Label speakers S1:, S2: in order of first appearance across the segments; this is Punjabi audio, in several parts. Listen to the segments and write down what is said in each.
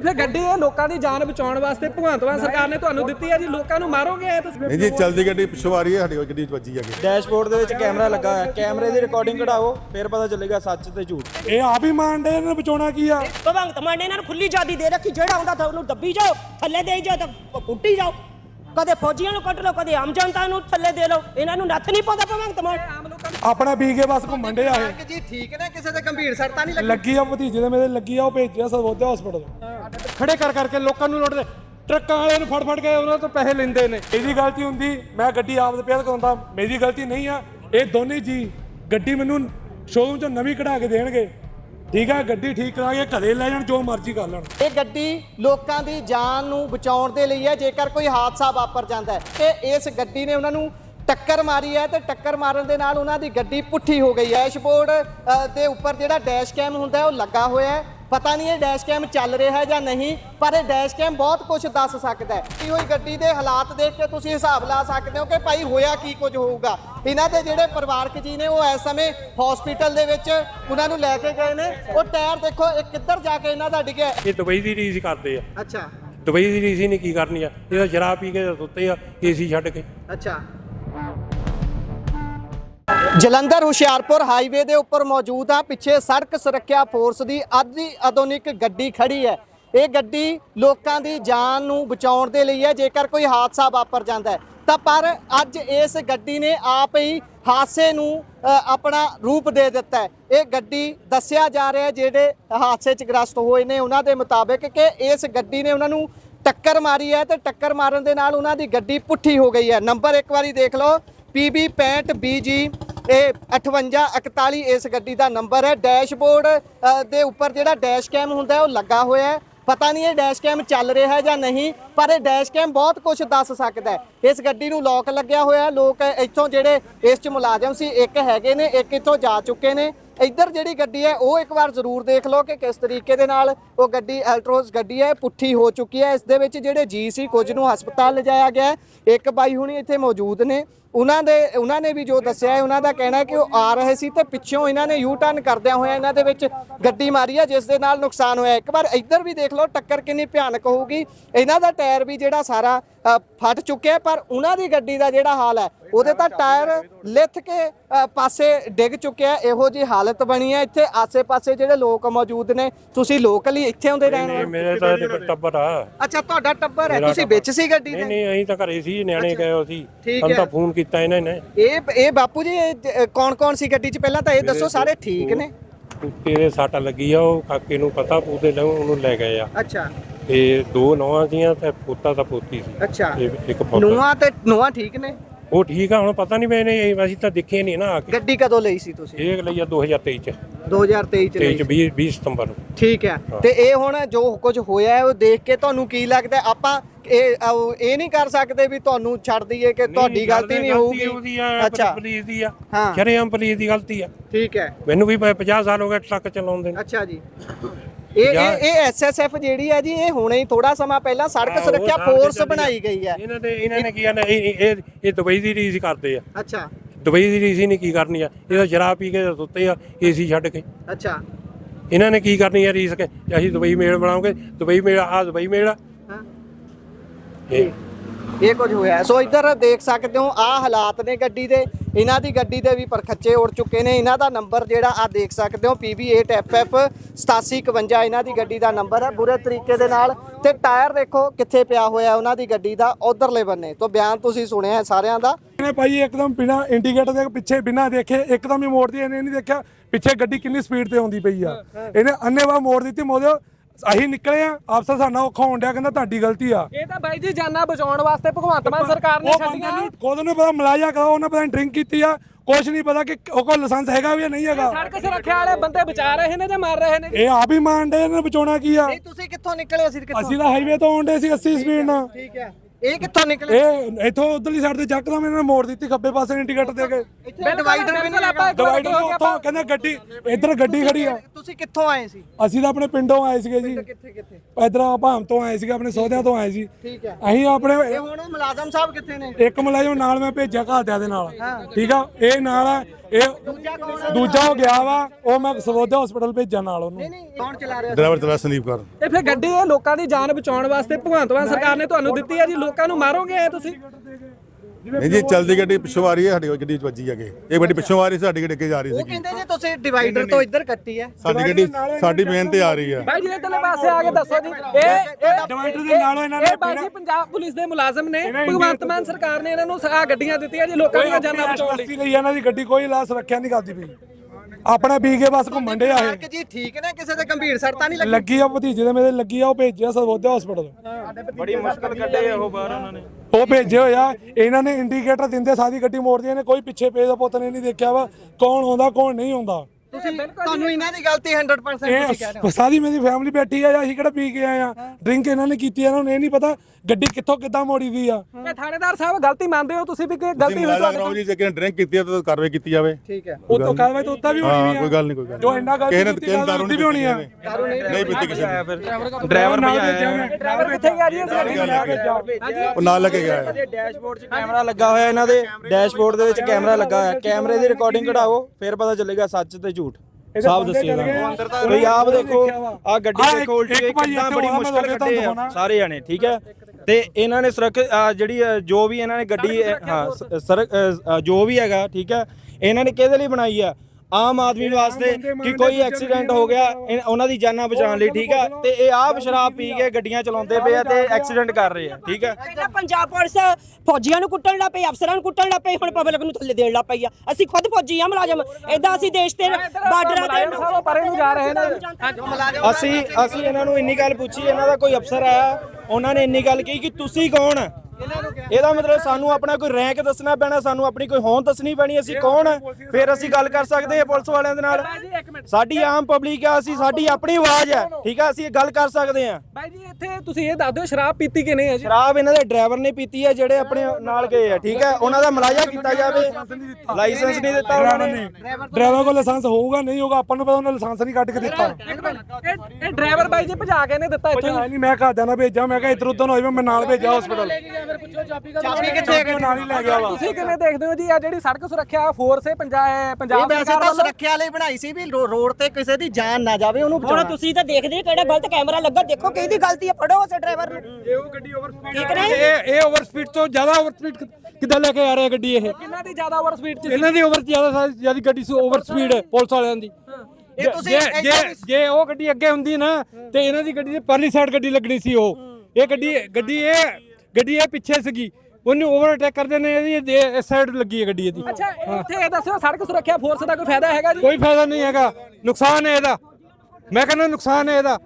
S1: ਫਿਰ ਗੱਡੀ ਇਹ ਲੋਕਾਂ ਦੀ ਜਾਨ ਬਚਾਉਣ ਵਾਸਤੇ ਭਗਵੰਤ ਮਾਨ ਸਰਕਾਰ ਨੇ ਤੁਹਾਨੂੰ ਦਿੱਤੀ ਹੈ ਜੀ, ਲੋਕਾਂ ਨੂੰ ਮਾਰੋਗੇ ਐ ਤੁਸੀਂ?
S2: ਨਹੀਂ ਜੀ, ਚੱਲਦੀ ਗੱਡੀ ਪਿੱਛੋਂ ਆ ਰਹੀ ਹੈ, ਸਾਡੀ ਗੱਡੀ 'ਚ ਵੱਜੀ ਆ ਕੇ।
S3: ਡੈਸ਼ਬੋਰਡ ਦੇ ਵਿੱਚ ਕੈਮਰਾ ਲੱਗਾ ਹੋਇਆ, ਕੈਮਰੇ ਦੀ ਰਿਕਾਰਡਿੰਗ ਕਢਾਓ, ਫਿਰ ਪਤਾ ਚੱਲੇਗਾ ਸੱਚ ਤੇ ਝੂਠ।
S4: ਇਹ ਆਪ ਹੀ ਮੰਨਦੇ ਇਹਨਾਂ ਬਚਾਉਣਾ ਕੀ ਆ?
S5: ਭਗਵੰਤ ਮਾਨ ਨੇ ਇਹਨਾਂ ਨੂੰ ਖੁੱਲੀ ਆਜ਼ਾਦੀ ਦੇ ਰੱਖੀ, ਜਿਹੜਾ ਆਉਂਦਾ ਤਾਂ ਉਹਨੂੰ ਦੱਬੀ ਜਾਓ, ਥੱਲੇ ਦੇਈ ਜਾਓ ਤਾਂ ਪੁੱਟੀ ਜਾਓ। ਕਦੇ ਫੌਜੀਆਂ ਨੂੰ ਕੱਢ ਲਓ, ਕਦੇ ਆਮ ਜਨਤਾ ਨੂੰ ਥੱਲੇ ਦੇ ਲਓ, ਇਹਨਾਂ ਨੂੰ ਨੱਥ ਨਹੀਂ ਪਾਉਂਦਾ ਭਗਵੰਤ ਮਾਨ।
S4: ਆਪਣਾ ਪੀ ਕੇ ਬਸ ਘੁੰਮਣ ਡੇ ਆ ਇਹ।
S1: ਜੀ ਠੀਕ ਨੇ, ਕਿਸੇ ਤੇ ਗੰਭੀਰ ਸੱਟਾਂ ਨਹੀਂ
S4: ਲੱਗੀ ਆ ਭਤੀਜੇ ਦੇ ਮੇਰੇ ਲੱਗੀ ਆ, ਉਹ ਭੇਜਿਆ ਸਰਵੋਦਿਆ ਹਸਪੀਟਲ ਖੜੇ ਕਰਕੇ ਲੋਕਾਂ ਨੂੰ ਲੁੱਟਦੇ, ਟਰੱਕਾਂ ਵਾਲਿਆਂ ਨੂੰ ਫੜ ਕੇ ਉਹਨਾਂ ਤੋਂ ਪੈਸੇ ਲੈਂਦੇ ਨੇ। ਇਹਦੀ ਗਲਤੀ ਹੁੰਦੀ, ਮੈਂ ਗੱਡੀ ਆਪ ਰਿਪੇਅਰ ਕਰਾਉਂਦਾ, ਮੇਰੀ ਗਲਤੀ ਨਹੀਂ ਆ। ਇਹ ਦੋਨੇ ਜੀ ਗੱਡੀ ਮੈਨੂੰ ਸ਼ੋਰੂਮ ਚੋਂ ਨਵੀਂ ਕਢਾ ਕੇ ਦੇਣਗੇ, ਠੀਕ ਹੈ? ਗੱਡੀ ਠੀਕ ਕਰਾ ਕੇ ਘਰੇ ਲੈ ਜਾਣ, ਜੋ ਮਰਜ਼ੀ ਕਰ ਲੈਣ।
S6: ਇਹ ਗੱਡੀ ਲੋਕਾਂ ਦੀ ਜਾਨ ਨੂੰ ਬਚਾਉਣ ਦੇ ਲਈ ਹੈ। ਜੇਕਰ ਕੋਈ ਹਾਦਸਾ ਵਾਪਰ ਜਾਂਦਾ ਹੈ ਤੇ ਇਸ ਗੱਡੀ ਨੇ ਉਹਨਾਂ ਨੂੰ ਟੱਕਰ ਮਾਰੀ ਹੈ ਤੇ ਟੱਕਰ ਮਾਰਨ ਦੇ ਨਾਲ ਉਹਨਾਂ ਦੀ ਗੱਡੀ ਪੁੱਠੀ ਹੋ ਗਈ ਹੈ। ਡੈਸ਼ਬੋਰਡ ਦੇ ਉੱਪਰ ਜਿਹੜਾ ਡੈਸ਼ ਕੈਮ ਹੁੰਦਾ ਉਹ ਲੱਗਾ ਹੋਇਆ ਹੈ। ਪਤਾ ਨਹੀਂ ਇਹ ਡੈਸ਼ ਕੈਮ ਚੱਲ ਰਿਹਾ ਹੈ ਜਾਂ ਨਹੀਂ, ਪਰ ਇਹ ਡੈਸ਼ ਕੈਮ ਬਹੁਤ ਕੁਝ ਦੱਸ ਸਕਦਾ ਹੈ। ਇਹ ਹੋਈ ਗੱਡੀ ਦੇ ਹਾਲਾਤ ਦੇਖ ਕੇ ਤੁਸੀਂ ਹਿਸਾਬ ਲਾ ਸਕਦੇ ਹੋ ਕਿ ਭਾਈ ਹੋਇਆ ਕੀ ਕੁਝ ਹੋਊਗਾ। ਇਹਨਾਂ ਦੇ ਜਿਹੜੇ ਪਰਿਵਾਰਕ ਜੀ ਨੇ ਉਹ ਇਸ ਸਮੇਂ ਹਸਪੀਟਲ ਦੇ ਵਿੱਚ ਉਹਨਾਂ ਨੂੰ ਲੈ ਕੇ ਗਏ ਨੇ। ਉਹ ਟਾਇਰ ਦੇਖੋ ਇਹ ਕਿੱਧਰ ਜਾ ਕੇ ਇਹਨਾਂ ਦਾ ਡਿੱਗਿਆ।
S7: ਇਹ ਦੁਬਈ ਦੀ ਰੀਸ ਕਰਦੇ ਆ।
S6: ਅੱਛਾ,
S7: ਦੁਬਈ ਦੀ ਰੀਸ ਹੀ ਨਹੀਂ ਕੀ ਕਰਨੀ ਆ, ਇਹ ਤਾਂ ਸ਼ਰਾਬ ਪੀ ਕੇ ਸੁੱਤੇ ਆ ਏਸੀ ਛੱਡ ਕੇ।
S6: ਅੱਛਾ। ਜਲੰਧਰ ਹੁਸ਼ਿਆਰਪੁਰ ਹਾਈਵੇ ਦੇ ਉੱਪਰ ਮੌਜੂਦ ਆ। ਪਿੱਛੇ ਸੜਕ ਸੁਰੱਖਿਆ ਫੋਰਸ ਦੀ ਅੱਧੀ ਆਧੁਨਿਕ ਗੱਡੀ ਖੜੀ ਹੈ। ਇਹ ਗੱਡੀ ਲੋਕਾਂ ਦੀ ਜਾਨ ਨੂੰ ਬਚਾਉਣ ਦੇ ਲਈ ਹੈ, ਜੇਕਰ ਕੋਈ ਹਾਦਸਾ ਵਾਪਰ ਜਾਂਦਾ ਹੈ ਤਾਂ। ਪਰ ਅੱਜ ਇਸ ਗੱਡੀ ਨੇ ਆਪ ਹੀ ਹਾਦਸੇ ਨੂੰ ਆਪਣਾ ਰੂਪ ਦੇ ਦਿੱਤਾ ਹੈ। ਇਹ ਗੱਡੀ ਦੱਸਿਆ ਜਾ ਰਿਹਾ ਜਿਹੜੇ ਹਾਦਸੇ 'ਚ ਗ੍ਰਸਤ ਹੋਏ ਨੇ ਉਹਨਾਂ ਦੇ ਮੁਤਾਬਿਕ ਕਿ ਇਸ ਗੱਡੀ ਨੇ ਉਹਨਾਂ ਨੂੰ ਟੱਕਰ ਮਾਰੀ ਹੈ ਤੇ ਟੱਕਰ ਮਾਰਨ ਦੇ ਨਾਲ ਉਹਨਾਂ ਦੀ ਗੱਡੀ ਪੁੱਠੀ ਹੋ ਗਈ ਹੈ। ਨੰਬਰ ਇੱਕ ਵਾਰੀ ਦੇਖ ਲਓ, PB 65BG 5841 ਇਸ ਗੱਡੀ ਦਾ ਨੰਬਰ ਹੈ। ਡੈਸ਼ਬੋਰਡ ਦੇ ਉੱਪਰ ਜਿਹੜਾ ਡੈਸ਼ ਕੈਮ ਹੁੰਦਾ ਉਹ ਲੱਗਾ ਹੋਇਆ ਹੈ। ਪਤਾ ਨਹੀਂ ਇਹ ਡੈਸ਼ ਕੈਮ ਚੱਲ ਰਿਹਾ ਹੈ ਜਾਂ ਨਹੀਂ, ਪਰ ਇਹ ਡੈਸ਼ ਕੈਮ ਬਹੁਤ ਕੁਝ ਦੱਸ ਸਕਦਾ ਹੈ। ਇਸ ਗੱਡੀ ਨੂੰ ਲੋਕ ਲੱਗਿਆ ਹੋਇਆ। ਲੋਕ ਇੱਥੋਂ ਜਿਹੜੇ ਇਸ 'ਚ ਮੁਲਾਜ਼ਮ ਸੀ, ਇੱਕ ਹੈਗੇ ਨੇ, ਇੱਕ ਇੱਥੋਂ ਜਾ ਚੁੱਕੇ ਨੇ। ਇੱਧਰ ਜਿਹੜੀ ਗੱਡੀ ਹੈ ਉਹ ਇੱਕ ਵਾਰ ਜ਼ਰੂਰ ਦੇਖ ਲਓ ਕਿ ਕਿਸ ਤਰੀਕੇ ਦੇ ਨਾਲ ਉਹ ਗੱਡੀ ਐਲਟਰੋਸ ਗੱਡੀ ਹੈ ਪੁੱਠੀ ਹੋ ਚੁੱਕੀ ਹੈ। ਇਸ ਦੇ ਵਿੱਚ ਜਿਹੜੇ ਜੀ ਸੀ, ਕੁਝ ਨੂੰ ਹਸਪਤਾਲ ਲਿਜਾਇਆ ਗਿਆ। ਇੱਕ ਬਾਈ ਹੁਣੀ ਇੱਥੇ ਮੌਜੂਦ ਨੇ, ਉਹਨਾਂ ਨੇ ਵੀ ਜੋ ਦੱਸਿਆ ਹੈ, ਉਹਨਾਂ ਦਾ ਕਹਿਣਾ ਹੈ ਕਿ ਉਹ ਆ ਰਹੇ ਸੀ ਤੇ ਪਿੱਛੋਂ ਇਹਨਾਂ ਨੇ ਯੂ ਟਰਨ ਕਰਦਿਆਂ ਹੋਇਆ ਇਹਨਾਂ ਦੇ ਵਿੱਚ ਗੱਡੀ ਮਾਰੀ ਹੈ, ਜਿਸ ਦੇ ਨਾਲ ਨੁਕਸਾਨ ਹੋਇਆ। ਇੱਕ ਵਾਰ ਇੱਧਰ ਵੀ ਦੇਖ ਲਓ, ਟੱਕਰ ਕਿੰਨੀ ਭਿਆਨਕ ਹੋਊਗੀ। ਇਹਨਾਂ ਦਾ ਟਾਇਰ ਵੀ ਜਿਹੜਾ ਸਾਰਾ ਫਟ ਚੁੱਕਿਆ, ਪਰ ਉਹਨਾਂ ਦੀ ਗੱਡੀ ਦਾ ਜਿਹੜਾ ਹਾਲ ਹੈ ਉਹਦੇ ਤਾਂ ਟਾਇਰ ਲਿਥ ਕੇ ਪਾਸੇ ਡਿੱਗ ਚੁੱਕਿਆ। ਇਹੋ ਜੀ ਹਾਲਤ ਬਣੀ ਹੈ। ਇੱਥੇ ਆਸੇ-ਪਾਸੇ ਜਿਹੜੇ ਲੋਕ ਮੌਜੂਦ ਨੇ, ਤੁਸੀਂ ਲੋਕਲ ਹੀ ਇੱਥੇ ਆਉਂਦੇ ਰਹਿਣ ਵਾਲੇ?
S7: ਮੇਰੇ ਤਾਂ ਟੱਬਰ ਆ।
S6: ਅੱਛਾ, ਤੁਹਾਡਾ ਟੱਬਰ ਹੈ, ਤੁਸੀਂ ਵਿੱਚ ਸੀ ਗੱਡੀ ਦੇ?
S7: ਨਹੀਂ, ਅਸੀਂ ਤਾਂ ਘਰੇ ਸੀ, ਨਿਆਣੇ ਗਏ ਹੋ ਸੀ,
S6: ਠੀਕ
S7: ਸਾਨੂੰ ਤਾਂ ਫੋਨ ਕੀਤਾ ਇਹਨਾਂ ਨੇ।
S6: ਇਹ ਬਾਪੂ ਜੀ ਕੌਣ ਸੀ ਗੱਡੀ 'ਚ? ਪਹਿਲਾਂ ਤਾਂ ਇਹ ਦੱਸੋ, ਸਾਰੇ ਠੀਕ ਨੇ?
S7: ਤੇਰੇ ਸੱਟ ਲੱਗੀ ਆ, ਉਹ ਕਾਕੇ ਨੂੰ ਪਤਾ, ਪੂਤੇ ਲੈ ਉਹਨੂੰ ਲੈ ਗਏ ਆ।
S6: ਅੱਛਾ।
S7: ਤੇ ਦੋ ਨੌਆਂ ਸੀਆਂ ਤੇ ਪੋਤਾ ਤਾਂ ਪੋਤੀ ਸੀ।
S6: ਅੱਛਾ।
S7: ਇੱਕ ਪੋਤਾ।
S6: ਨੂੰਹਾਂ ਠੀਕ ਨੇ?
S7: ਉਹ ਠੀਕ ਆ, ਹੁਣ ਪਤਾ ਨਹੀਂ ਮੈਨੇ, ਅਸੀਂ ਤਾਂ ਦੇਖੇ ਨਹੀਂ ਨਾ ਆ ਕੇ।
S6: ਗੱਡੀ ਕਦੋਂ ਲਈ ਸੀ ਤੁਸੀਂ?
S7: ਇਹ ਲਈ ਆ 2023 ਚ।
S6: 2023 ਚ ਲਈ?
S7: 20 ਸਤੰਬਰ ਨੂੰ।
S6: ਠੀਕ ਹੈ। ਤੇ ਇਹ ਹੁਣ ਜੋ ਕੁਝ ਹੋਇਆ ਹੈ ਉਹ ਦੇਖ ਕੇ ਤੁਹਾਨੂੰ ਕੀ ਲੱਗਦਾ? ਆਪਾਂ ਇਹ ਨਹੀਂ ਕਰ ਸਕਦੇ ਵੀ ਤੁਹਾਨੂੰ ਛੱਡ ਦਈਏ ਕਿ ਤੁਹਾਡੀ ਗਲਤੀ ਨਹੀਂ ਹੋਊਗੀ?
S7: ਅੱਛਾ, ਪੁਲਿਸ ਦੀ ਆ, ਸ਼ਰੇਆਮ ਪੁਲਿਸ ਦੀ ਗਲਤੀ ਆ।
S6: ਠੀਕ ਹੈ।
S7: ਮੈਨੂੰ ਵੀ 50 ਸਾਲ ਹੋ ਗਏ ਟਰੱਕ ਚਲਾਉਂਦੇ।
S6: ਅੱਛਾ ਜੀ। ਇਹ SSF ਜਿਹੜੀ ਹੈ ਜੀ, ਇਹ ਹੁਣੇ ਹੀ ਥੋੜਾ ਸਮਾਂ ਪਹਿਲਾਂ ਸੜਕ ਸੁਰੱਖਿਆ ਫੋਰਸ ਬਣਾਈ ਗਈ ਹੈ।
S7: ਇਹਨਾਂ ਨੇ ਕੀ ਕਰਨਾ, ਇਹ ਦੁਬਈ ਦੀ ਰੀਸ ਕਰਦੇ ਆ।
S6: ਅੱਛਾ।
S7: ਦੁਬਈ ਦੀ ਰੀਸ ਹੀ ਨਹੀਂ ਕੀ ਕਰਨੀ ਆ, ਇਹ ਤਾਂ ਸ਼ਰਾਬ ਪੀ ਕੇ ਸੁੱਤੇ ਆ ਏਸੀ ਛੱਡ ਕੇ।
S6: ਅੱਛਾ।
S7: ਇਹਨਾਂ ਨੇ ਕੀ ਕਰਨੀ ਆ ਰੀਸ ਕੇ, ਅਸੀਂ ਦੁਬਈ ਮੇਲ ਬਣਾਉਂਗੇ, ਦੁਬਈ ਮੇਲ ਆ, ਦੁਬਈ ਮੇਲ ਆ।
S6: ਇਹ ਕੁਝ ਹੋਇਆ। ਸੋ ਇੱਧਰ ਦੇਖ ਸਕਦੇ ਹੋ, ਆਹ ਹਾਲਾਤ ਨੇ ਗੱਡੀ ਦੇ। ਇਹਨਾਂ ਦੀ ਗੱਡੀ ਦੇ ਵੀ ਪਰਖੱਚੇ ਉੜ ਚੁੱਕੇ ਨੇ। ਇਹਨਾਂ ਦਾ ਨੰਬਰ ਜਿਹੜਾ ਆ ਦੇਖ ਸਕਦੇ ਹੋ, PB 8FF 8751 ਇਹਨਾਂ ਦੀ ਗੱਡੀ ਦਾ ਨੰਬਰ ਹੈ। ਬੁਰੇ ਤਰੀਕੇ ਦੇ ਨਾਲ ਤੇ ਟਾਇਰ ਦੇਖੋ ਕਿੱਥੇ ਪਿਆ ਹੋਇਆ ਉਹਨਾਂ ਦੀ ਗੱਡੀ ਦਾ, ਉਧਰਲੇ ਬੰਨੇ ਤੋਂ। ਬਿਆਨ ਤੁਸੀਂ ਸੁਣਿਆ ਹੈ ਸਾਰਿਆਂ ਦਾ।
S4: ਇਹਨੇ ਭਾਈ ਇੱਕਦਮ ਬਿਨਾ ਇੰਡੀਕੇਟਰ ਦੇ ਪਿੱਛੇ ਬਿਨਾ ਦੇਖੇ ਇੱਕਦਮ ਹੀ ਮੋੜਦੀ। ਇਹਨੇ ਨਹੀਂ ਦੇਖਿਆ ਪਿੱਛੇ ਗੱਡੀ ਕਿੰਨੀ ਸਪੀਡ ਤੇ ਆਉਂਦੀ ਪਈ ਆ। ਇਹਨੇ ਅੰਨੇਵਾਹ ਮੋੜ ਦਿੱਤੀ। ਮੋਦਿਓ ਅਸੀਂ ਨਿਕਲੇ ਆ, ਅਫਸਰ ਸਾਡਾ ਔਖਾ ਹੋਣ ਡਿਆ, ਕਹਿੰਦਾ ਤੁਹਾਡੀ ਗਲਤੀ ਆ।
S1: ਇਹ ਤਾਂ ਬਾਈ ਜੀ ਜਾਨਾਂ ਬਚਾਉਣ ਵਾਸਤੇ ਭਗਵੰਤ ਮਾਨ ਸਰਕਾਰ ਨੇ ਛੱਡੀਆਂ।
S4: ਖੁਦ ਨੂੰ ਪਤਾ ਮਲਾਇਆ ਕਰੋ, ਉਹਨੇ ਪਤਾ ਡਰਿੰਕ ਕੀਤੀ ਆ, ਕੁਛ ਨਹੀਂ ਪਤਾ ਕਿ ਉਹ ਕੋਲ ਲਾਇਸੈਂਸ ਹੈਗਾ ਵੀ ਨਹੀਂ ਹੈਗਾ।
S1: ਸੜਕ ਸੁਰੱਖਿਆ ਵਾਲੇ ਬੰਦੇ ਬਚਾ ਰਹੇ ਨੇ ਜਾਂ ਮਾਰ ਰਹੇ ਨੇ?
S4: ਇਹ ਆਪ ਹੀ ਮੰਨਦੇ ਇਹਨਾਂ ਬਚਾਉਣਾ ਕੀ ਆ।
S6: ਤੁਸੀਂ ਕਿੱਥੋਂ ਨਿਕਲੇ? ਅਸੀਂ
S4: ਤਾਂ ਹਾਈਵੇ ਤੋਂ ਆਉਂਦੇ ਸੀ 80 ਸਪੀਡ ਨਾਲ।
S6: ਠੀਕ ਹੈ। ਇਹ ਕਿੱਥੋਂ ਨਿਕਲੇ?
S4: ਇਹ ਇੱਥੋਂ ਉਧਰਲੀ ਸਾਈਡ ਤੇ ਚੱਕਦਮ ਇਹਨਾਂ ਨੇ ਮੋੜ ਦਿੱਤੀ, ਖੱਬੇ ਪਾਸੇ ਇੰਡੀਕੇਟਰ ਦੇ ਕੇ।
S6: ਡਿਵਾਈਡਰ ਵੀ ਨਹੀਂ ਲੱਗਾ।
S4: ਡਿਵਾਈਡਰ ਉੱਥੋਂ ਕਹਿੰਦਾ ਗੱਡੀ ਇੱਧਰ ਗੱਡੀ ਖੜੀ ਆ।
S6: ਤੁਸੀਂ ਕਿੱਥੋਂ ਆਏ ਸੀ?
S4: ਅਸੀਂ ਤਾਂ ਆਪਣੇ ਪਿੰਡੋਂ ਆਏ ਸੀਗੇ ਜੀ।
S6: ਕਿੱਥੇ?
S4: ਇਧਰ ਭਾਮ ਤੋਂ ਆਏ ਸੀਗੇ, ਆਪਣੇ ਸਹੁਰਿਆਂ ਤੋਂ ਆਏ ਸੀ।
S6: ਠੀਕ ਹੈ।
S4: ਅਸੀਂ ਆਪਣੇ
S6: ਹੁਣ ਮੁਲਾਜ਼ਮ ਸਾਹਿਬ ਕਿੱਥੇ ਨੇ?
S4: ਇੱਕ ਮੁਲਾਜ਼ਮ ਨਾਲ ਮੈਂ ਭੇਜਿਆ ਘਰਦਿਆਂ ਦੇ ਨਾਲ, ਠੀਕ ਆ। ਇਹ ਨਾਲ ਆ, ਇਹ ਦੂਜਾ ਹੋ ਗਿਆ ਵਾ, ਉਹ ਮੈਂ ਸਰਵੋਦਿਆ ਹਸਪੀਟਲ ਭੇਜਾਂ ਨਾਲ ਉਹਨੂੰ।
S6: ਕੌਣ ਚਲਾ ਰਿਹਾ?
S2: ਡਰਾਈਵਰ ਚਲਾ ਸੰਦੀਪ ਕੌਰ।
S1: ਇਹ ਫਿਰ ਗੱਡੀ ਇਹ ਲੋਕਾਂ ਦੀ ਜਾਨ ਬਚਾਉਣ ਵਾਸਤੇ ਭਗਵੰਤ ਮਾਨ ਸਰਕਾਰ ਨੇ ਤੁਹਾਨੂੰ ਦਿੱਤੀ ਹੈ ਜੀ, ਲੋਕਾਂ ਨੂੰ ਮਾਰੋਗੇ ਐ ਤੁਸੀਂ?
S2: ਨਹੀਂ ਜੀ, ਚੱਲਦੀ ਗੱਡੀ ਪਿੱਛੋਂ ਆ ਰਹੀ ਹੈ, ਸਾਡੀ ਗੱਡੀ ਚ ਵੱਜੀ ਹੈਗੇ। ਇਹ ਗੱਡੀ ਪਿੱਛੋਂ ਆ ਰਹੀ ਸੀ, ਸਾਡੀ ਗੱਡੀ ਅੱਗੇ ਜਾ ਰਹੀ
S6: ਉਹ
S2: ਸੀ।
S6: ਕਹਿੰਦੇ ਜੀ ਤੁਸੀਂ ਡਿਵਾਈਡਰ ਤੋਂ ਇੱਧਰ ਕੱਟੀ ਹੈ।
S2: ਸਾਡੀ ਗੱਡੀ ਸਾਡੀ ਮੇਨ ਤੇ ਆ ਰਹੀ ਹੈ।
S1: ਬਾਈ ਜੀ ਇਧਰਲੇ ਪਾਸੇ ਆ ਕੇ ਦੱਸੋ ਜੀ, ਇਹ
S4: ਡਿਵਾਈਡਰ ਦੇ ਨਾਲੋਂ ਇਹਨਾਂ ਨੇ
S1: ਇਹ ਬਾਈ ਜੀ ਪੰਜਾਬ ਪੁਲਿਸ ਦੇ ਮੁਲਾਜ਼ਮ ਨੇ, ਭਗਵੰਤ ਮਾਨ ਸਰਕਾਰ ਨੇ ਇਹਨਾਂ ਨੂੰ ਆ ਗੱਡੀਆਂ ਦਿੱਤੀਆਂ ਜੀ ਲੋਕਾਂ ਦੀਆਂ ਜਾਨਾਂ ਬਚਾਉਣ ਲਈ।
S4: ਲਈ ਇਹਨਾਂ ਦੀ ਗੱਡੀ ਕੋਈ ਲਾਸ ਰੱਖਿਆ ਨਹੀਂ ਕਰਦੀ ਪਈ, ਆਪਣਾ ਪੀ ਕੇ ਬਸ ਘੁੰਮਣ ਡੇ ਆਏ।
S6: ਕਿ ਜੀ ਠੀਕ ਨੇ, ਕਿਸੇ ਦੇ ਗੰਭੀਰ ਸੱਟਾਂ ਨਹੀਂ ਲੱਗੀਆਂ?
S4: ਲੱਗੀ ਆ ਭਤੀਜੇ ਦੇ ਮੇਰੇ ਲੱਗੀ ਆ, ਉਹ ਭੇਜਿਆ ਸਰਵੋਦਿਆ ਹਸਪੀਟਲ।
S3: ਬੜੀ ਮੁਸ਼ਕਲ ਕੱਢੇ ਉਹ ਬਾਹਰ ਉਹਨਾਂ ਨੇ।
S4: ਉਹ ਭੇਜੇ ਹੋਇਆ, ਇਹਨਾਂ ਨੇ ਇੰਡੀਕੇਟਰ ਦਿੰਦੇ ਸਾਰੀ ਗੱਡੀ ਮੋੜਦੀਆਂ ਨੇ, ਕੋਈ ਪਿੱਛੇ ਪੇ ਦਾ ਪੁੱਤ ਨੇ ਨਹੀਂ ਦੇਖਿਆ ਵਾ ਕੌਣ ਆਉਂਦਾ ਕੌਣ ਨਹੀਂ ਆਉਂਦਾ।
S6: ਤੁਹਾਨੂੰ ਇਹਨਾਂ ਦੀ ਗਲਤੀ 100% ਤੁਸੀਂ ਕਹਿ ਰਹੇ ਹੋ।
S4: ਇਹ ਸਾਰੀ ਮੇਰੀ ਫੈਮਿਲੀ ਬੈਠੀ ਆ, ਅਸੀਂ ਕਿਹੜਾ ਪੀ ਕੇ ਆਏ ਆ, ਡਰਿੰਕ ਇਹਨਾਂ ਨੇ ਕੀਤੀ ਆ, ਇਹਨਾਂ ਨੂੰ ਇਹ ਨਹੀਂ ਪਤਾ ਗੱਡੀ ਕਿੱਥੋਂ ਕਿੱਦਾਂ ਮੋੜੀ ਦੀ ਆ।
S1: ਇਹ ਥਾਣੇਦਾਰ ਸਾਹਿਬ ਗਲਤੀ ਮੰਨਦੇ ਹੋ ਤੁਸੀਂ ਵੀ ਕਿ ਗਲਤੀ ਹੋਈ
S2: ਮੁਲਾਜ਼ਮ ਰਹੋ ਜੀ, ਜੇ ਕਿਸੇ ਨੇ ਡਰਿੰਕ ਕੀਤੀ ਹੈ ਤਾਂ ਕਾਰਵਾਈ ਕੀਤੀ ਜਾਵੇ।
S6: ਠੀਕ ਹੈ।
S4: ਉਹ ਤੋਂ ਕਾਰਵਾਈ ਤਾਂ ਉੱਤਾ ਵੀ ਹੋਣੀ
S2: ਹਾਂ,
S4: ਆ।
S2: ਕੋਈ ਗੱਲ ਨਹੀਂ, ਕੋਈ ਗੱਲ
S4: ਜੋ ਇੰਨਾ
S2: ਕਿਸੇ ਨੇ
S4: ਗਲਤੀ ਕੀਤੀ
S2: ਦਾਰੂ
S4: ਵੀ ਹੋਣੀ ਆ।
S2: ਨਹੀਂ ਪੀਤੀ ਕਿਸੇ ਨੇ।
S3: ਡਰਾਈਵਰ
S1: ਡਰਾਈਵਰ ਕਿੱਥੇ ਗਿਆ ਜੀ?
S2: ਉਹ ਨਾਲ ਲੱਗੇ ਗਿਆ ਹੈ।
S3: ਡੈਸ਼ਬੋਰਡ 'ਚ ਕੈਮਰਾ ਲੱਗਾ ਹੋਇਆ, ਇਹਨਾਂ ਦੇ ਡੈਸ਼ਬੋਰਡ ਦੇ ਵਿੱਚ ਕੈਮਰਾ ਲੱਗਾ ਹੋਇਆ। ਕੈਮਰੇ ਦੀ ਰਿਕਾਰਡਿੰਗ ਕਢਾਓ, ਫਿਰ ਪਤਾ ਚੱਲੇਗਾ ਸੱਚ ਤੇ ਝੂਠ। ਸਾਫ ਦੱਸਿਆ ਤੁਸੀਂ ਆਪ ਦੇਖੋ, ਆ ਗੱਡੀ ਦੇਖੋ ਉਲਟੀ ਕਿੰਨਾ ਬੜੀ ਮੁਸ਼ਕਲ ਕੱਢੇ ਆ ਸਾਰੇ ਜਾਣੇ, ਠੀਕ ਹੈ। ਤੇ ਇਹਨਾਂ ਨੇ ਜਿਹੜੀ ਜੋ ਵੀ ਇਹਨਾਂ ਨੇ ਗੱਡੀ ਜੋ ਵੀ ਹੈਗਾ, ਠੀਕ ਹੈ, ਇਹਨਾਂ ਨੇ ਕਿਹਦੇ ਲਈ ਬਣਾਈ ਆ? ਆਮ ਆਦਮੀ ਵਾਸਤੇ ਕਿ ਕੋਈ ਐਕਸੀਡੈਂਟ ਹੋ ਗਿਆ ਉਹਨਾਂ ਦੀ ਜਾਨਾਂ ਬਚਾਉਣ ਲਈ, ਠੀਕ ਹੈ। ਤੇ ਇਹ ਆਪ ਸ਼ਰਾਬ ਪੀ ਕੇ ਗੱਡੀਆਂ ਚਲਾਉਂਦੇ ਪਏ ਆ ਤੇ ਐਕਸੀਡੈਂਟ ਕਰ ਰਹੇ ਆ, ਠੀਕ ਹੈ।
S5: ਪਹਿਲਾਂ ਪੰਜਾਬ ਪੁਲਿਸ ਫੌਜੀਆਂ ਨੂੰ ਕੁੱਟਣ ਲੱਗ ਪਈ, ਅਫਸਰਾਂ ਨੂੰ ਕੁੱਟਣ ਲੱਗ ਪਈ, ਹੁਣ ਪਬਲਿਕ ਨੂੰ ਥੱਲੇ ਦੇਣ ਲੱਗ ਪਈ ਆ। ਅਸੀਂ ਖੁਦ ਫੌਜੀ ਆ, ਮੁਲਾਜ਼ਮ। ਏਦਾਂ ਅਸੀਂ ਦੇਸ਼ ਤੇ ਬਾਰਡਰਾਂ ਤੇ
S1: ਪਰੇ ਨੂੰ ਜਾ ਰਹੇ ਨੇ।
S3: ਅਸੀਂ ਇਹਨਾਂ ਨੂੰ ਇੰਨੀ ਗੱਲ ਪੁੱਛੀ, ਇਹਨਾਂ ਦਾ ਕੋਈ ਅਫਸਰ ਆਇਆ, ਉਹਨਾਂ ਨੇ ਇੰਨੀ ਗੱਲ ਕਹੀ ਕਿ ਤੁਸੀਂ ਕੌਣ? ਇਹਦਾ ਮਤਲਬ ਸਾਨੂੰ ਆਪਣਾ ਕੋਈ ਰੈਂਕ ਦੱਸਣਾ ਪੈਣਾ, ਸਾਨੂੰ ਆਪਣੀ ਕੋਈ ਹੋਂਦ ਦੱਸਣੀ ਪੈਣੀ, ਅਸੀਂ ਕੌਣ ਆ, ਫਿਰ ਅਸੀਂ ਗੱਲ ਕਰ ਸਕਦੇ ਹਾਂ ਪੁਲਿਸ ਵਾਲਿਆਂ ਦੇ ਨਾਲ। ਸਾਡੀ ਆਮ ਪਬਲਿਕ ਆ, ਅਸੀਂ ਸਾਡੀ ਆਪਣੀ ਆਵਾਜ਼ ਹੈ, ਠੀਕ ਆ, ਅਸੀਂ ਇਹ ਗੱਲ ਕਰ ਸਕਦੇ ਹਾਂ।
S1: ਬਾਈ ਜੀ ਇੱਥੇ ਤੁਸੀਂ ਇਹ ਦੱਸ ਦਿਓ ਸ਼ਰਾਬ ਪੀਤੀ ਕਿ ਨਹੀਂ ਹੈ ਜੀ?
S3: ਸ਼ਰਾਬ ਇਹਨਾਂ ਦੇ ਡਰਾਈਵਰ ਨੇ ਪੀਤੀ ਹੈ, ਜਿਹੜੇ ਆਪਣੇ ਨਾਲ ਗਏ ਆ, ਠੀਕ ਹੈ। ਉਹਨਾਂ ਦਾ ਮੁਲਾਜ਼ਾ ਕੀਤਾ ਜਾਵੇ, ਲਾਇਸੈਂਸ ਨਹੀਂ ਦਿੱਤਾ ਉਹਨਾਂ ਨੇ।
S4: ਡਰਾਈਵਰ ਕੋਲ ਲਾਇਸੈਂਸ ਹੋਊਗਾ ਨਹੀਂ ਹੋਊਗਾ, ਆਪਾਂ ਨੂੰ ਪਤਾ, ਉਹਨੇ ਲਾਇਸੈਂਸ ਨਹੀਂ ਕੱਢ ਕੇ ਦਿੱਤਾ।
S1: ਇਹ ਡਰਾਈਵਰ ਬਾਈ ਜੀ ਭਜਾ ਕੇ ਨੇ ਦਿੱਤਾ ਇੱਥੋਂ?
S4: ਨਹੀਂ, ਮੈਂ ਘਰਦਿਆਂ ਨਾਲ ਭੇਜਾਂ, ਮੈਂ ਕਿਹਾ ਇੱਧਰ ਉੱਧਰ ਹੋਈ, ਮੈਂ ਨਾਲ ਭੇਜਿਆ ਹਸਪੀਟਲ।
S6: ਚਾਬੀ ਕਿੱਥੇ ਹੈ?
S4: ਨਾਲ ਹੀ ਲੈ ਗਿਆ ਵਾ।
S1: ਤੁਸੀਂ ਕਿਵੇਂ ਦੇਖਦੇ ਹੋ ਜੀ ਆ ਜਿਹੜੀ ਸੜਕ ਸੁਰੱਖਿਆ ਫੋਰਸ ਹੈ ਪੰਜਾਬ
S6: ਵੈਸੇ ਤਾਂ ਸੁਰੱਖਿਆ ਲਈ ਬਣਾਈ ਸੀ ਵੀ ਰੋਡ ਤੇ ਕਿਸੇ ਦੀ ਜਾਨ ਨਾ ਜਾਵੇ, ਉਹਨੂੰ
S5: ਹੁਣ
S6: ਬਚਾਉਣਾ।
S5: ਤੁਸੀਂ ਤਾਂ ਦੇਖਦੇ ਕਿਹੜਾ ਗਲਤ ਕੈਮਰਾ ਲੱਗਾ, ਦੇਖੋ ਕਿਹਦੀ ਗਲਤੀ ਹੈ, ਫੜੋ ਉਸ ਡਰਾਈਵਰ ਨੂੰ।
S4: ਇਹ ਗੱਡੀ ਓਵਰ ਸਪੀਡ,
S5: ਠੀਕ ਨੇ?
S4: ਇਹ ਓਵਰ ਸਪੀਡ ਤੋਂ ਜ਼ਿਆਦਾ ਓਵਰ ਸਪੀਡ ਕਿੱਦਾਂ ਲੈ ਕੇ ਆ ਰਿਹਾ ਗੱਡੀ? ਇਹ
S1: ਕਿੰਨਾ ਦੀ ਜ਼ਿਆਦਾ ਓਵਰ ਸਪੀਡ ਚ ਸੀ?
S4: ਇਹਨਾਂ ਦੀ ਓਵਰ ਜ਼ਿਆਦਾ ਗੱਡੀ ਸੀ, ਓਵਰ ਸਪੀਡ ਪੁਲਿਸ ਵਾਲਿਆਂ ਦੀ।
S6: ਇਹ ਤੁਸੀਂ
S4: ਜੇ ਉਹ ਗੱਡੀ ਅੱਗੇ ਹੁੰਦੀ ਨਾ ਤੇ ਇਹਨਾਂ ਦੀ ਗੱਡੀ ਦੇ ਪਰਲੀ ਸਾਈਡ ਗੱਡੀ ਲੱਗਣੀ ਸੀ। ਉਹ ਇਹ ਗੱਡੀ ਇਹ ਪਿੱਛੇ ਸੀਗੀ, ਉਹਨੂੰ ਓਵਰਟੇਕ ਕਰਦੇ ਨੇ, ਇਹਦੀ ਇਸ ਸਾਈਡ ਲੱਗੀ ਹੈ ਗੱਡੀ ਇਹਦੀ।
S1: ਅੱਛਾ ਇੱਥੇ ਇਹ ਦੱਸੋ ਸੜਕ ਸੁਰੱਖਿਆ ਫੋਰਸ ਦਾ ਕੋਈ ਫਾਇਦਾ ਹੈਗਾ ਜੀ?
S4: ਕੋਈ ਫਾਇਦਾ ਨਹੀਂ ਹੈਗਾ, ਨੁਕਸਾਨ ਹੈ ਇਹਦਾ। ਮੈਂ ਕਹਿੰਦਾ ਨੁਕਸਾਨ ਹੈ ਇਹਦਾ,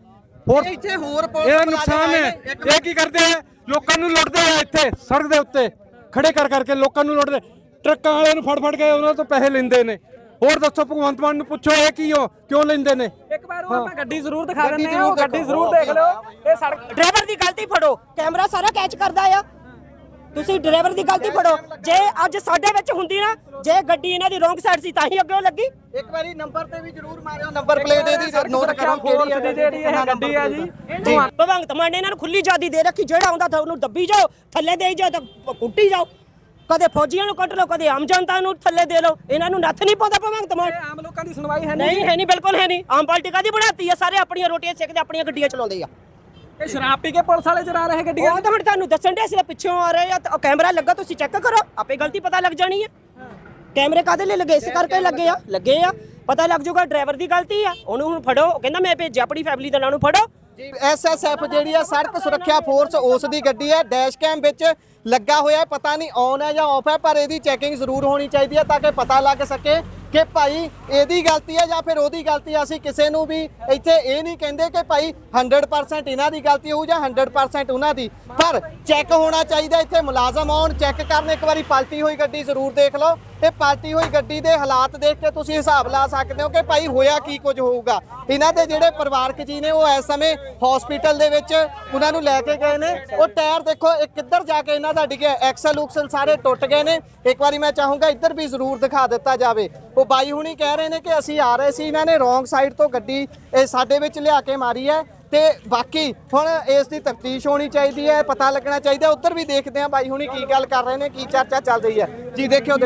S4: ਹੋਰ
S6: ਇੱਥੇ ਹੋਰ
S4: ਇਹਦਾ ਨੁਕਸਾਨ ਹੈ। ਇਹ ਕੀ ਕਰਦੇ ਆ? ਲੋਕਾਂ ਨੂੰ ਲੁੱਟਦੇ ਆ, ਇੱਥੇ ਸੜਕ ਦੇ ਉੱਤੇ ਖੜੇ ਕਰਕੇ ਲੋਕਾਂ ਨੂੰ ਲੁੱਟਦੇ, ਟਰੱਕਾਂ ਵਾਲਿਆਂ ਨੂੰ ਫੜ ਕੇ ਉਹਨਾਂ ਤੋਂ ਪੈਸੇ ਲੈਂਦੇ ਨੇ। ਹੋਰ ਦੱਸੋ, ਭਗਵੰਤ ਮਾਨ ਨੂੰ ਪੁੱਛੋ ਇਹ ਕਿਉਂ ਲੈਂਦੇ ਨੇ?
S1: ਇੱਕ ਵਾਰ ਉਹ ਆਪਾਂ ਗੱਡੀ ਜ਼ਰੂਰ ਦਿਖਾ ਦਿੰਦੇ ਆ, ਉਹ ਗੱਡੀ ਜ਼ਰੂਰ ਦੇਖ ਲਿਓ। ਇਹ ਸੜਕ
S5: ਡਰਾਈਵਰ ਦੀ ਗਲਤੀ ਫੜੋ, ਕੈਮਰਾ ਸਾਰਾ ਕੈਚ ਕਰਦਾ ਆ। ਤੁਸੀਂ ਡਰਾਈਵਰ ਦੀ ਗਲਤੀ ਫੜੋ। ਜੇ ਅੱਜ ਸਾਡੇ ਵਿੱਚ ਹੁੰਦੀ ਨਾ, ਜੇ ਗੱਡੀ ਇਹਨਾਂ ਦੀ ਰੋਂਗ ਸਾਈਡ ਸੀ ਤਾਂ ਹੀ ਅੱਗੇ ਲੱਗੀ।
S6: ਇੱਕ ਵਾਰੀ ਨੰਬਰ ਤੇ ਵੀ ਜ਼ਰੂਰ ਮਾਰਿਓ, ਨੰਬਰ ਪਲੇਟ ਇਹਦੀ ਨੋਟ ਕਰੋ ਕਿਹੜੀ ਹੈ।
S1: ਜਿਹੜੀ ਇਹ ਗੱਡੀ ਆ ਜੀ,
S5: ਭਗਵੰਤ ਮਾਨ ਨੇ ਇਹਨਾਂ ਨੂੰ ਖੁੱਲੀ ਆਜ਼ਾਦੀ ਦੇ ਰੱਖੀ, ਜਿਹੜਾ ਆਉਂਦਾ ਤਾਂ ਉਹਨੂੰ ਦੱਬੀ ਜਾਓ, ਥੱਲੇ ਦੇਈ ਜਾਓ ਤਾਂ ਕੁੱਟੀ ਜਾਓ। ਕਦੇ ਫੌਜੀਆਂ ਨੂੰ ਕੱਢ ਲਓ, ਕਦੇ ਆਮ ਜਨਤਾ ਨੂੰ ਥੱਲੇ ਦੇ ਲਓ। ਇਹਨਾਂ ਨੂੰ ਨੱਥ ਨਹੀਂ ਪਾਉਂਦਾ ਭਗਵੰਤ ਮਾਨ।
S1: ਆਮ ਲੋਕਾਂ ਦੀ ਸੁਣਵਾਈ ਹੈ
S5: ਨਹੀਂ, ਹੈ ਨਹੀਂ, ਬਿਲਕੁਲ ਹੈ ਨਹੀਂ। ਆਮ ਪਾਰਟੀ ਕਾਹਦੀ ਬਣਾਤੀ ਆ? ਸਾਰੇ ਆਪਣੀਆਂ ਰੋਟੀਆਂ ਸੇਕਦੇ, ਆਪਣੀਆਂ ਗੱਡੀਆਂ ਚਲਾਉਂਦੇ ਆ।
S1: ਇਹ ਸ਼ਰਾਬ ਪੀ ਕੇ ਪੁਲਿਸ ਵਾਲੇ ਚਲਾ ਰਹੇ ਗੱਡੀਆਂ।
S5: ਉਹ ਤਾਂ ਹੁਣ ਤੁਹਾਨੂੰ ਦੱਸਣ ਦੇ, ਅਸੀਂ ਤਾਂ ਪਿੱਛੋਂ ਆ ਰਹੇ ਆ, ਤਾਂ ਕੈਮਰਾ ਲੱਗਾ, ਤੁਸੀਂ ਚੈੱਕ ਕਰੋ, ਆਪੇ ਗਲਤੀ ਪਤਾ ਲੱਗ ਜਾਣੀ ਹੈ। ਕੈਮਰੇ ਕਾਹਦੇ ਲਈ ਲੱਗੇ? ਇਸ ਕਰਕੇ ਲੱਗੇ ਆ, ਪਤਾ ਲੱਗ ਜਾਊਗਾ ਡਰਾਈਵਰ ਦੀ ਗਲਤੀ ਆ। ਉਹਨੂੰ ਹੁਣ ਫੜੋ, ਉਹ ਕਹਿੰਦਾ ਮੈਂ ਭੇਜਿਆ ਆਪਣੀ ਫੈਮਿਲੀ ਦੇ ਨਾਲ, ਨੂੰ ਫੜੋ।
S6: ਐਸਐਸਐਫ ਜਿਹੜੀ ਆ ਸੜਕ ਸੁਰੱਖਿਆ ਫੋਰਸ, ਉਸ ਦੀ ਗੱਡੀ ਹੈ, ਡੈਸ਼ ਕੈਮ ਵਿੱਚ ਲੱਗਾ ਹੋਇਆ, ਪਤਾ ਨਹੀਂ ਔਨ ਹੈ ਜਾਂ ਆਫ ਹੈ, ਪਰ ਇਹਦੀ ਚੈਕਿੰਗ ਜ਼ਰੂਰ ਹੋਣੀ ਚਾਹੀਦੀ ਹੈ ਤਾਂ ਕਿ ਪਤਾ ਲੱਗ ਸਕੇ ਕਿ ਭਾਈ ਇਹਦੀ ਗਲਤੀ ਹੈ ਜਾਂ ਫਿਰ ਉਹਦੀ ਗਲਤੀ ਹੈ। ਅਸੀਂ ਕਿਸੇ ਨੂੰ ਵੀ ਇੱਥੇ ਇਹ ਨਹੀਂ ਕਹਿੰਦੇ ਕਿ ਭਾਈ 100% ਇਹਨਾਂ ਦੀ ਗਲਤੀ ਹੋਊ ਜਾਂ 100% ਉਹਨਾਂ ਦੀ, ਪਰ ਚੈੱਕ ਹੋਣਾ ਚਾਹੀਦਾ। ਇੱਥੇ ਮੁਲਾਜ਼ਮ ਆਉਣ, ਚੈੱਕ ਕਰਨ, ਇੱਕ ਵਾਰੀ ਪਲਟੀ ਹੋਈ ਗੱਡੀ ਜ਼ਰੂਰ ਦੇਖ ਲਓ। ਤੇ ਪਲਟੀ ਹੋਈ ਗੱਡੀ ਦੇ ਹਾਲਾਤ ਦੇਖ ਕੇ ਤੁਸੀਂ ਹਿਸਾਬ ਲਾ ਸਕਦੇ ਹੋ ਕਿ ਭਾਈ ਹੋਇਆ ਕੀ ਕੁਝ ਹੋਊਗਾ। ਇਹਨਾਂ ਦੇ ਜਿਹੜੇ ਪਰਿਵਾਰਕ ਜੀ ਨੇ ਉਹ ਇਸ ਸਮੇਂ ਹਸਪੀਟਲ ਦੇ ਵਿੱਚ ਉਹਨਾਂ ਨੂੰ ਲੈ ਕੇ ਗਏ ਨੇ। ਉਹ ਟਾਇਰ ਦੇਖੋ ਇਹ ਕਿੱਧਰ ਜਾ ਕੇ ਇਹਨਾਂ ਦਾ ਡਿੱਗਿਆ, ਐਕਸਲ ਉਕਸਲ ਸਾਰੇ ਟੁੱਟ ਗਏ ਨੇ। ਇੱਕ ਵਾਰੀ ਮੈਂ ਚਾਹੂੰਗਾ ਇੱਧਰ ਵੀ ਜ਼ਰੂਰ ਦਿਖਾ ਦਿੱਤਾ ਜਾਵੇ। ਉਹ ਬਾਈ ਹੁਣੀ ਕਹਿ ਰਹੇ ਨੇ ਕਿ ਅਸੀਂ ਆ ਰਹੇ ਸੀ, ਇਹਨਾਂ ਨੇ ਰੋਂਗ ਸਾਈਡ ਤੋਂ ਗੱਡੀ ਇਹ ਸਾਡੇ ਵਿੱਚ ਲਿਆ ਕੇ ਮਾਰੀ ਹੈ। ਤੇ ਬਾਕੀ ਹੁਣ ਇਸ ਦੀ ਤਫਤੀਸ਼ ਹੋਣੀ ਚਾਹੀਦੀ ਹੈ, ਪਤਾ ਲੱਗਣਾ ਚਾਹੀਦਾ। ਉੱਧਰ ਵੀ ਦੇਖਦੇ ਆ ਬਾਈ ਹੁਣੀ ਕੀ ਗੱਲ ਕਰ ਰਹੇ ਨੇ, ਕੀ ਚਰਚਾ ਚੱਲ ਰਹੀ ਹੈ ਜੀ। ਦੇਖਿਓ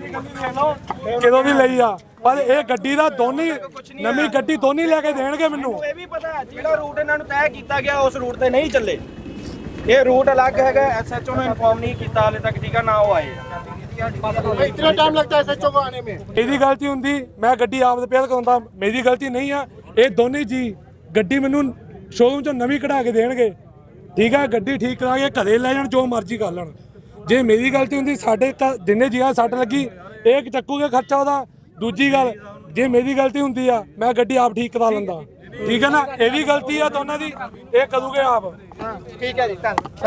S4: ਕਿਦੋਂ ਦੀ ਲਈ ਆ ਪਰ ਇਹ ਗੱਡੀ ਦਾ ਦੋਨੀ ਨਵੀਂ ਗੱਡੀ ਦੋਨੀ ਲੈ ਕੇ ਦੇਣਗੇ ਮੈਨੂੰ।
S3: ਇਹ ਵੀ ਪਤਾ ਜਿਹੜਾ ਰੂਟ ਇਹਨਾਂ ਨੂੰ ਤੈਅ ਕੀਤਾ ਗਿਆ ਉਸ ਰੂਟ ਤੇ ਨਹੀਂ ਚੱਲੇ। ਇਹ ਰੂਟ ਅਲੱਗ ਹੈਗਾ, ਐਸਐਚਓ ਨੂੰ ਇਨਫੋਰਮ ਨਹੀਂ ਕੀਤਾ ਹਾਲੇ ਤੱਕ, ਠੀਕ ਆ ਨਾ ਉਹ ਆਏ।
S8: इतना टाइम लगता है एसएचओ को आने में।
S4: ਇਹਦੀ ਗਲਤੀ ਹੁੰਦੀ ਮੈਂ ਗੱਡੀ ਆਪ ਰਿਪੇਅਰ ਕਰਾਉਂਦਾ, ਮੇਰੀ ਗਲਤੀ ਨਹੀਂ ਆ। ਇਹ ਦੋਨੇ ਜੀ ਗੱਡੀ ਮੈਨੂੰ ਸ਼ੋਰੂਮ ਚੋਂ ਨਵੀਂ ਕਢਾ ਕੇ ਦੇਣਗੇ, ਠੀਕ ਆ। ਗੱਡੀ ਠੀਕ ਕਰਾ ਕੇ ਘਰੇ ਲੈ ਜਾਣ, ਜੋ ਮਰਜ਼ੀ ਕਰ ਲੈਣ। ਜੇ ਮੇਰੀ ਗਲਤੀ ਹੁੰਦੀ ਸਾਡੇ ਜਿੰਨੇ ਜੀਆਂ ਸੱਟ ਲੱਗੀ ਇਹ ਚੱਕੂਗੇ ਖਰਚਾ ਉਹਦਾ। ਦੂਜੀ ਗੱਲ ਜੇ ਮੇਰੀ ਗਲਤੀ ਹੁੰਦੀ ਆ ਮੈਂ ਗੱਡੀ ਆਪ ਠੀਕ ਕਰਾ ਲੈਂਦਾ, ਠੀਕ ਹੈ ਨਾ। ਇਹ ਵੀ ਗਲਤੀ ਆ ਦੋਨਾਂ ਦੀ, ਇਹ ਕਰੂਗੇ ਆਪ।
S6: ਠੀਕ ਹੈ ਜੀ, ਧੰਨਵਾਦ।